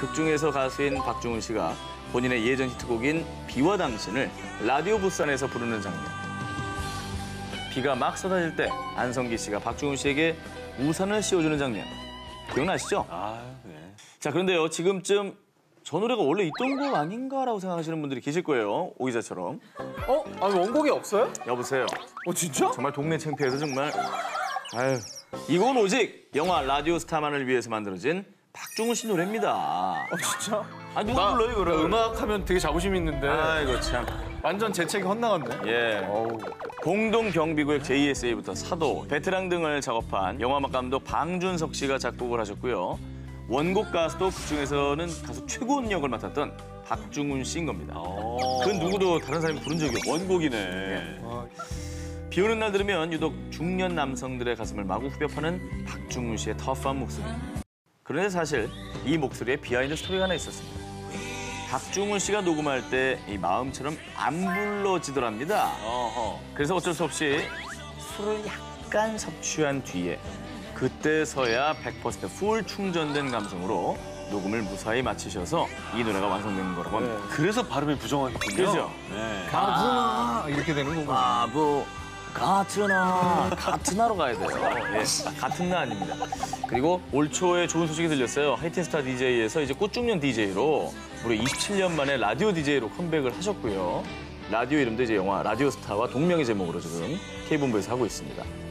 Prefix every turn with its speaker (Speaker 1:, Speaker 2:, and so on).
Speaker 1: 극중에서 가수인 박중훈 씨가 본인의 예전 히트곡인 비와 당신을 라디오 부스 안에서 부르는 장면. 비가 막 쏟아질 때 안성기 씨가 박중훈 씨에게 우산을 씌워주는 장면. 기억나시죠?
Speaker 2: 네.
Speaker 1: 자, 그런데요, 지금쯤 저 노래가 원래 있던 곡 아닌가라고 생각하시는 분들이 계실 거예요. 오 기자처럼.
Speaker 3: 아니 원곡이 없어요?
Speaker 1: 여보세요.
Speaker 3: 진짜?
Speaker 1: 정말 동네 창피해서 정말. 아유. 이 곡은 오직 영화 라디오 스타만을 위해서 만들어진 박중훈 씨 노래입니다.
Speaker 3: 진짜?
Speaker 1: 아, 누가 불러요, 이거를?
Speaker 3: 음악하면 되게 자부심 있는데
Speaker 1: 아이고, 참.
Speaker 3: 완전 재책이 헛나갔네.
Speaker 1: 예. 공동경비구역 JSA부터 사도, 베테랑 등을 작업한 영화음악 감독 방준석 씨가 작곡을 하셨고요. 원곡 가수도 그중에서는 가수 최고운 역을 맡았던 박중훈 씨인 겁니다. 그 누구도 다른 사람이 부른 적이 없어요.
Speaker 2: 원곡이네.
Speaker 1: 비 오는 날 들으면 유독 중년 남성들의 가슴을 마구 후벼 파는 박중훈 씨의 터프한 목소리. 그런데 사실 이 목소리에 비하인드 스토리가 하나 있었습니다. 박중훈 씨가 녹음할 때 이 마음처럼 안 불러지더랍니다. 그래서 어쩔 수 없이 술을 약간 섭취한 뒤에 그때서야 100% 풀 충전된 감성으로 녹음을 무사히 마치셔서 이 노래가 완성된 거라고 합니다.
Speaker 2: 그래서 발음이 부정하겠군요.
Speaker 1: 그렇죠?
Speaker 2: 네.
Speaker 3: 가구나 이렇게 되는 거구나.
Speaker 1: 바보 같은 하러 가야 돼요. 예, 같은 나 아닙니다. 그리고 올 초에 좋은 소식이 들렸어요. 하이틴스타 DJ에서 이제 꽃중년 DJ로 무려 27년 만에 라디오 DJ로 컴백을 하셨고요. 라디오 이름도 이제 영화 라디오 스타와 동명의 제목으로 지금 K본부에서 하고 있습니다.